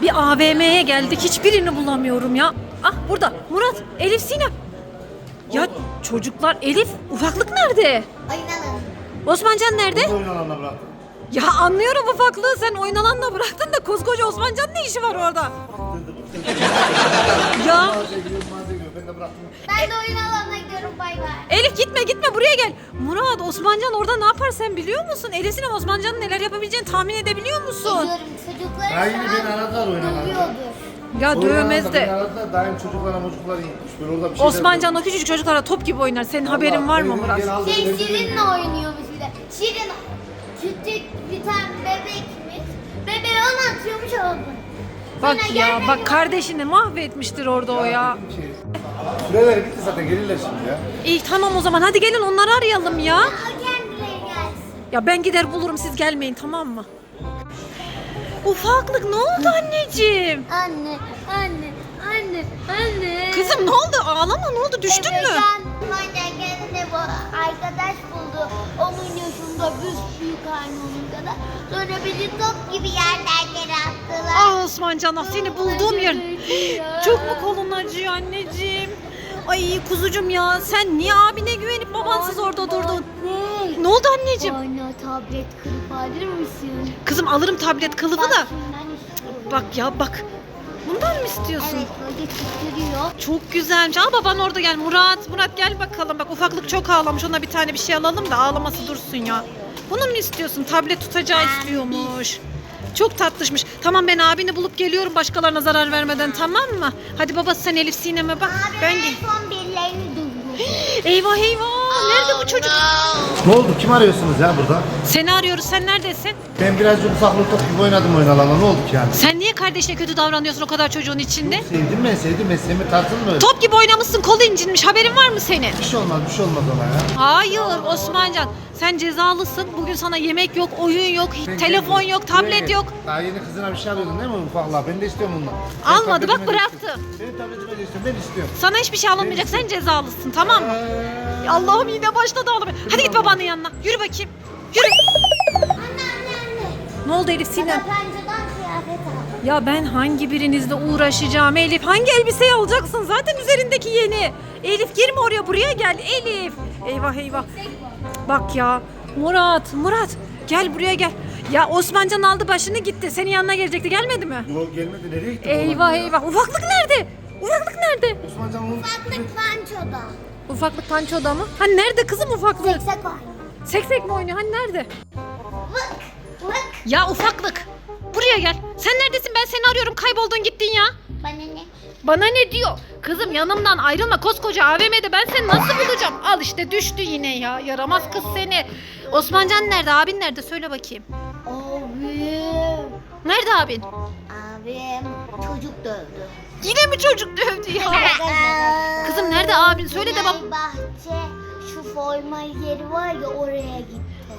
Bir AVM'ye geldik. Hiçbirini bulamıyorum ya. Ah burada. Murat, Elif, Sinem. Ya çocuklar, Elif, ufaklık nerede? Oynanın. Osmancan nerede? Oyun alanına bıraktım. Ya anlıyorum ufaklığı, sen oyun alanına bıraktın da koskoca Osmancan'ın ne işi var orada? Ya Mağazaya gidiyorum, ben de bıraktım. Ben de oyun alanına gidiyorum, bay bay. Elif gitme buraya gel. Murat, Osmancan orada ne yapar sen biliyor musun? Elif, Sinem, Osmancan'ın neler yapabileceğini tahmin edebiliyor musun? Biliyorum, çocukları Ya yine beni aradılar oyun alanında. dövüyordur. Ya dövmez Beni de. aradılar, daim çocuklara iyiymiş. Böyle orada bir şeyler Osmancan o küçücük çocuklara top gibi oynar. Senin haberin var mı Murat? Şirin'le oynuyormuş bir de. Şirin küçük bir tane bebekmiş. Bebeği ona atıyormuş oldu. Bak ya, bak kardeşini mahvetmiştir orada o ya. Süreler bitti zaten, gelirler şimdi ya. İyi tamam o zaman, hadi gelin onları arayalım ya. O kendileri gelsin. Ya ben gider bulurum, siz gelmeyin, tamam mı? Ufaklık ne oldu anneciğim? Anne. Kızım ne oldu? Ağlama, ne oldu? Düştün mü? Anne kendine bu arkadaş buldu. Onun yaşında büyük aynı onun kadar. Sonra bizi top gibi yerlerden attılar. Ah Osmancan, ah seni bulduğum yer. Çok mu kolun acıyor anneciğim? Ay kuzucum ya, sen niye abine güvenip babansız orada durdun? Ne oldu anneciğim? Anne tablet kırıp alır mısın? Kızım alırım tablet kılıfı da. Şundan istiyorum. Bak ya bak. Bundan mı istiyorsun? Evet, böyle titriyor. Çok güzelmiş. Al baban orada gel. Murat gel bakalım. Bak ufaklık çok ağlamış. Ona bir tane bir şey alalım da ağlaması dursun ya. Bunu mu istiyorsun? Tablet tutacağı istiyormuş. Çok tatlışmış. Tamam, ben abini bulup geliyorum başkalarına zarar vermeden, tamam mı? Hadi babası sen Elif Sinem'e bak. Abi Ben en gel. son birilerini duyuyor. Eyvah. Nerede bu çocuk? Ne oldu? Kim arıyorsunuz ya burada? Seni arıyoruz. Sen neredesin? Ben birazcık ufaklık top gibi oynadım oyun alanına. Ne oldu ki yani? Sen niye kardeşine kötü davranıyorsun o kadar çocuğun içinde? Sevdim ben. Sevme tarzın mı öyle? Top gibi oynamışsın. Kolu incinmiş. Haberin var mı senin? Bir şey olmaz ona ya. Hayır Osmancan, sen cezalısın. Bugün sana yemek yok, oyun yok, telefon yok, tablet yok. Daha yeni kızına bir şey alıyordun değil mi ufaklığa? Ben de istiyorum ondan. Almadı, bak bıraktı. Benim tabletime de istiyorum, ben istiyorum. Sana hiçbir şey alınmayacak, sen cezalısın, tamam mı? Allah'ım yine başladı ağlamaya. Hadi git babanın yanına, yürü bakayım. Yürü. Anne. Ne oldu Elif Sinem? Yabancıdan kıyafet aldım. Ya ben hangi birinizle uğraşacağım Elif? Hangi elbiseyi alacaksın? Zaten üzerindeki yeni. Elif girme oraya, buraya gel Elif. Eyvah. Bak ya Murat gel buraya gel. Ya Osmancan aldı başını gitti. Senin yanına gelecekti, gelmedi mi? Yok gelmedi, nereye gitti? Eyvah. Ufaklık nerede? Osmancan onun... Ufaklık pançoda. Ufaklık pançoda mı? Hani nerede kızım ufaklık? Seksek var. Seksek mi oynuyor? Hani nerede? Vık. Ya ufaklık. Buraya gel. Sen neredesin? Ben seni arıyorum. Kayboldun gittin ya. Bana ne? Bana ne diyor? Kızım yanımdan ayrılma, koskoca AVM'de ben seni nasıl bulacağım? Al işte düştü yine ya. Yaramaz kız seni. Osmancan nerede? Abin nerede? Söyle bakayım. Abim. Nerede abin? Abim çocuk dövdü. Yine mi çocuk dövdü ya? Kızım nerede abin? Söyle de bak. Bahçe şu forma yeri var ya, oraya gitti.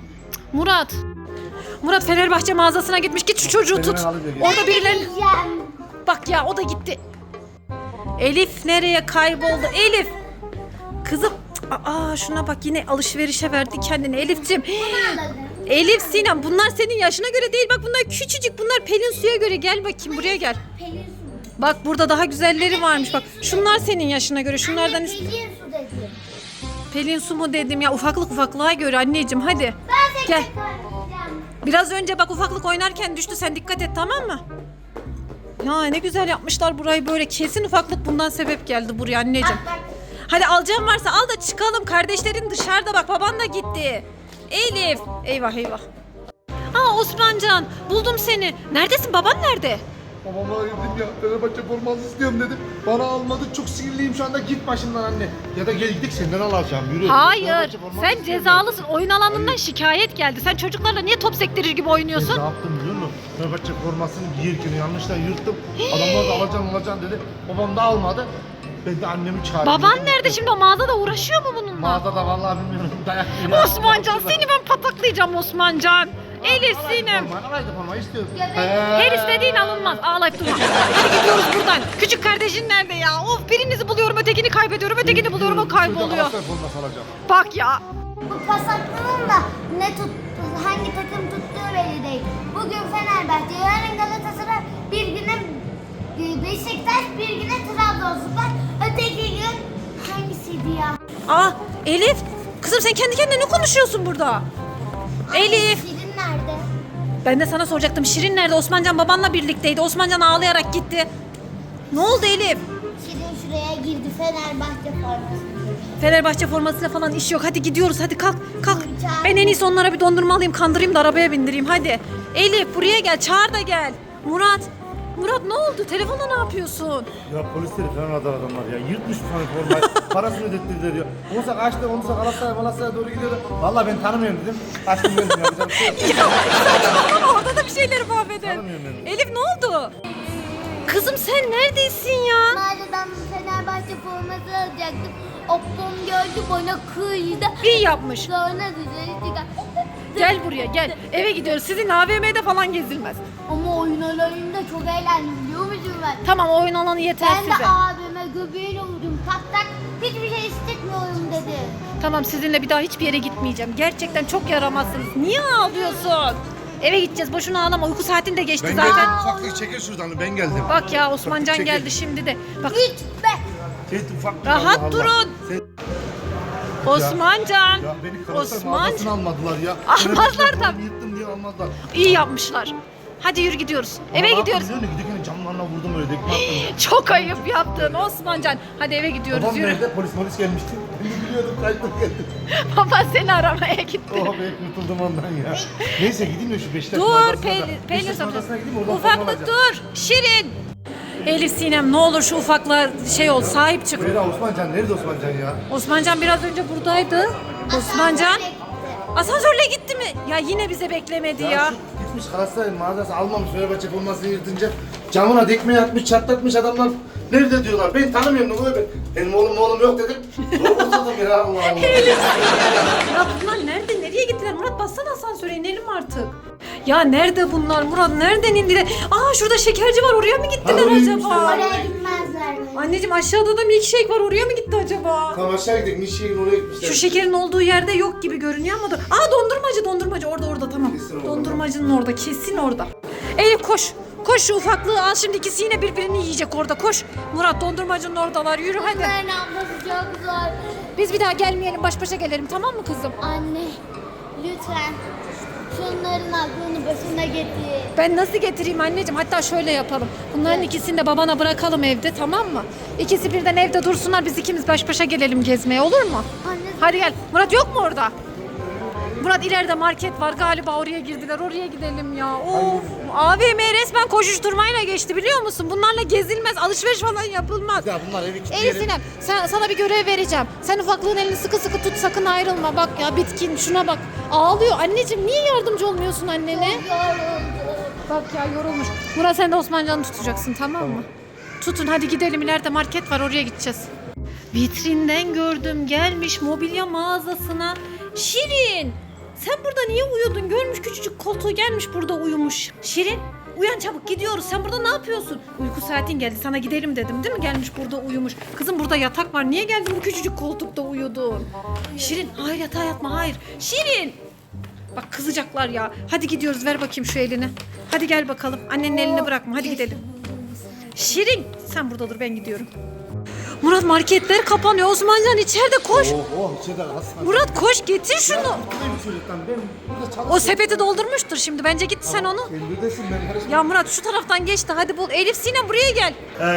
Murat Fenerbahçe mağazasına gitmiş. Git şu çocuğu tut. Orada birileri... Yiyeceğim. Bak ya, o da gitti. Elif nereye kayboldu? Elif. Kızım. Şuna bak, yine alışverişe verdi kendini Elif'ciğim. Elif Sinem, bunlar senin yaşına göre değil. Bak bunlar küçücük. Bunlar Pelin Su'ya göre. Gel bakayım buraya gel. Pelin su. Bak burada daha güzelleri varmış. Bak şunlar senin yaşına göre. Şunlardan Pelin su dedi. Pelin Su mu dedim ya? Ufaklığa göre anneciğim, hadi. Ben Gel. seksek oynayacağım. Biraz önce bak ufaklık oynarken düştü. Sen dikkat et, tamam mı? Ya ne güzel yapmışlar burayı böyle. Kesin ufaklık bundan sebep geldi buraya anneciğim. Bak. Hadi alacağım varsa al da çıkalım. Kardeşlerin dışarıda, bak baban da gitti. Elif. Eyvah. Osmancan, buldum seni. Neredesin? Baban nerede? Babama dedim ya, Fenerbahçe forması istiyorum dedim. Bana almadı, çok sinirliyim şu anda, git başımdan anne. Ya da gel gidip senden alacağım, yürü. Hayır. Fenerbahçe forması Sen istiyorum cezalısın. Oyun alanından şikayet geldi. Sen çocuklarla niye top sektirir gibi ben. oynuyorsun? Ne yaptım biliyor musun? Fenerbahçe formasını giyirken yanlışla yırttım. Adamlar da alacaksın dedi. Babam da almadı. Ben de annemi çağırdım. Baban nerede şimdi? O mağazada uğraşıyor mu bununla? Mağazada vallahi bilmiyorum, dayak yiyor. Osmancan, seni ben pataklayacağım Osmancan. Elif Sinem. Forma istiyorum. Her istediğin alınmaz. Ağlayıp durma. Hadi gidiyoruz buradan. Küçük kardeşin nerede ya? Of, birinizi buluyorum, ötekini kaybediyorum. Ötekini buluyorum, o kayboluyor. Galatasaray forması alacağım. Bak ya. Bu pasaklının da hangi takım tuttuğu belli değil. Bugün Fenerbahçe, yarın Galatasaray, bir güne Aa Elif. Kızım sen kendi kendine ne konuşuyorsun burada? Elif. Şirin nerede? Ben de sana soracaktım. Şirin nerede? Osmancan babanla birlikteydi. Osmancan ağlayarak gitti. Ne oldu Elif? Şirin şuraya girdi Fenerbahçe forması. Fenerbahçe formasıyla falan iş yok. Hadi gidiyoruz. Hadi kalk. Kalk. Ben en iyisi onlara bir dondurma alayım. Kandırayım da arabaya bindireyim. Hadi. Elif buraya gel. Çağır da gel. Murat. Murat ne oldu? Telefonda ne yapıyorsun? Ya polisleri falan aradı adamlar ya. Yırtmış bu formayı. Parasını ödettirdiler ya. Onsa kaçtı, onsa Galatasaray'a doğru gidiyordu. Vallahi ben tanımıyorum dedim. Kaçtım geldim yapacağım bir şey yok. Saçmalama orada da bir şeyleri mahvedin. Tanımıyorum ben. Elif ne oldu? Kızım sen neredesin ya? Mağazadan Fenerbahçe forması alacaktım. Oppom gördü bana kıydı. İyi yapmış. Sonra dışarı çıkarttı. Gel buraya gel. Eve gidiyoruz. Sizin AVM'de falan gezilmez. Ama oyun alanında çok eğlendim biliyor musun ben? Tamam oyun alanı yeter Ben de size. abime göbeğiyle vurdum. Tak tak hiçbir şey hissetmiyorum dedi. Tamam sizinle bir daha hiçbir yere gitmeyeceğim. Gerçekten çok yaramazsınız. Niye ağlıyorsun? Eve gideceğiz. Boşuna ağlama. Uyku saatin de geçti Ben zaten. geldim. Ufaklık çekil şuradan. Ben geldim. Bak ya Osmancan Çekil. geldi şimdi de. Bak Hiç be. Şey, ufaklık, rahat Allah Allah. durun. Sen- Osmancan. Ya beni Galatasaray Osman. mağazasına almadılar ya. Almazlar Ben tabii. yırttım diye almazlar. İyi yapmışlar. Hadi yürü gidiyoruz. Eve Ama gidiyoruz. Biliyor musun? Giderken camlarına vurdum öyle. Dekme attım. Çok ayıp yaptın Osmancan. Hadi eve gidiyoruz Babam yürü. nerede? Polis gelmişti. Ben de biliyordum. Kaçtım geldim. Baba seni aramaya gitti. Oh be kurtuldum ondan ya. Neyse gideyim de şu Beşiktaş Dur mağazasına da- Pelin Beşiktaş mağazasına gideyim oradan forma Ufaklık alacağım. dur. Şirin. Elif Sinem ne olur şu ufakla şey ol sahip çık. Nerede Osmancan? Nerede Osmancan ya? Osmancan biraz önce buradaydı. Osmancan Asansöre gitti. asansörle gitti mi? Ya yine bize beklemedi ya. Şu gitmiş Galatasaray mağazası almamış Fenerbahçe formasını yırtınca camına dekmeyi atmış çatlatmış adamlar. Nerede diyorlar? Ben tanımıyorum ne oluyor ben. Benim oğlum yok dedim. Zorladım ya Allah Allah. Ya bunlar nerede? Nereye gittiler? Murat bassana asansöre inelim artık. Ya nerede bunlar? Murat nereden indiler? Aa şurada şekerci var oraya mı gittiler oraya acaba? gitmişler. Oraya gitmezler mi? Anneciğim aşağıda da milkshake var oraya mı gitti acaba? Tamam aşağı gidelim. Nişe'nin oraya gitmişler. Şu şekerin olduğu yerde yok gibi görünüyor ama Aa dondurmacı orada tamam. Kesin orada. Dondurmacının orada kesin orada. Elif koş. Koş şu ufaklığı al şimdi ikisi yine birbirini yiyecek orada koş. Murat dondurmacının oradalar yürü hadi. Bunların ablası çok zor. Biz bir daha gelmeyelim baş başa gelelim tamam mı kızım? Anne lütfen şunların aklını başına getir. Ben nasıl getireyim anneciğim? Hatta şöyle yapalım. Bunların ikisini de babana bırakalım evde tamam mı? İkisi birden evde dursunlar biz ikimiz baş başa gelelim gezmeye olur mu? Anne Hadi gel. Murat yok mu orada? Murat ileride market var galiba oraya girdiler oraya gidelim ya. Of AVM resmen koşuşturmayla geçti biliyor musun? Bunlarla gezilmez alışveriş falan yapılmaz. Ya bunlar evi Elif kilitleyelim. Sinem sana bir görev vereceğim. Sen ufaklığın elini sıkı sıkı tut sakın ayrılma. Bak ya bitkin şuna bak. Ağlıyor. Anneciğim niye yardımcı olmuyorsun annene? yoruldu. Bak ya yorulmuş. Murat sen de Osmancan'ı tutacaksın tamam mı? Tutun hadi gidelim ileride market var oraya gideceğiz. Vitrinden gördüm gelmiş mobilya mağazasına. Şirin sen burada niye uyudun? Görmüş küçücük koltuğu gelmiş burada uyumuş. Şirin uyan çabuk gidiyoruz. Sen burada ne yapıyorsun? Uyku saatin geldi sana gidelim dedim değil mi? Gelmiş burada uyumuş. Kızım burada yatak var. Niye geldin bu küçücük koltukta uyudun? Şirin hayır yatağa yatma hayır. Şirin. Bak kızacaklar ya. Hadi gidiyoruz ver bakayım şu elini. Hadi gel bakalım. Annenin elini bırakma hadi gidelim. Şirin sen burada dur ben gidiyorum. Murat marketler kapanıyor. Osmancan içeride koş. İçeride hastane. Murat koş getir şunu. Buradayım çocuktan. Ben burada çalışıyorum. O sepeti doldurmuştur şimdi. Bence git sen onu. Sen buradasın ben karışmam. Ya Murat şu taraftan geçti. Hadi bul. Elif Sinem buraya gel.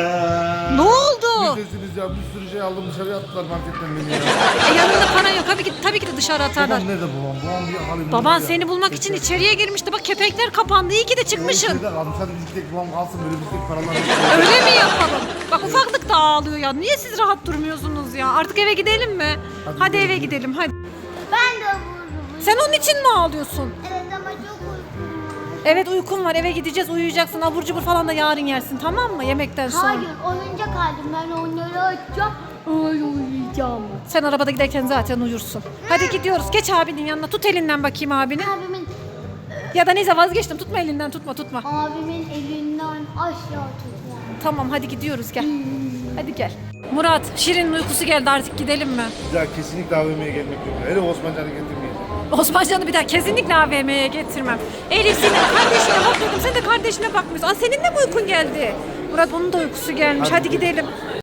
Ne oldu? Neredesiniz ya? Bir sürü şey aldım dışarıya attılar marketten beni ya. Yanında para yok. Tabii ki de dışarı atarlar. Babam nerede babam? Babam bir halim. Baban seni bulmak için içeriye girmişti. Bak kepenkler kapandı. İyi ki de çıkmışsın. İçeride kalmış. Hadi biz gidelim babam kalsın böyle bizdeki paralar. Öyle mi yapalım? Bak ufaklık da ağlıyor ya. Niye siz rahat durmuyorsunuz ya? Artık eve gidelim mi? Hadi eve gidelim hadi. Ben de vururum. Sen onun için mi ağlıyorsun? Evet ama çok uykum var. Evet uykum var. Eve gideceğiz. Uyuyacaksın. Abur cubur falan da yarın yersin. Tamam mı? Yemekten sonra. Hayır oyuncak aldım ben onları açacağım. Öyle uyuyacağım. Sen arabada giderken zaten uyursun. Hadi gidiyoruz. Geç abinin yanına. Tut elinden bakayım abini. Abimin, Ya da neyse vazgeçtim. Tutma elinden. Tutma. abimin elinden aşağı tutma. Tamam hadi gidiyoruz gel. Hadi gel. Murat, Şirin'in uykusu geldi artık gidelim mi? Ya kesinlikle AVM'ye gelmek yok. Hele Osmancan'ı getirmeyin. Osmancan'ı bir daha kesinlikle AVM'ye getirmem. Elif senin kardeşine bak dedim. Sen de kardeşine bakmıyorsun. Aa senin de mi uykun geldi? Murat onun da uykusu gelmiş. Hadi gidelim.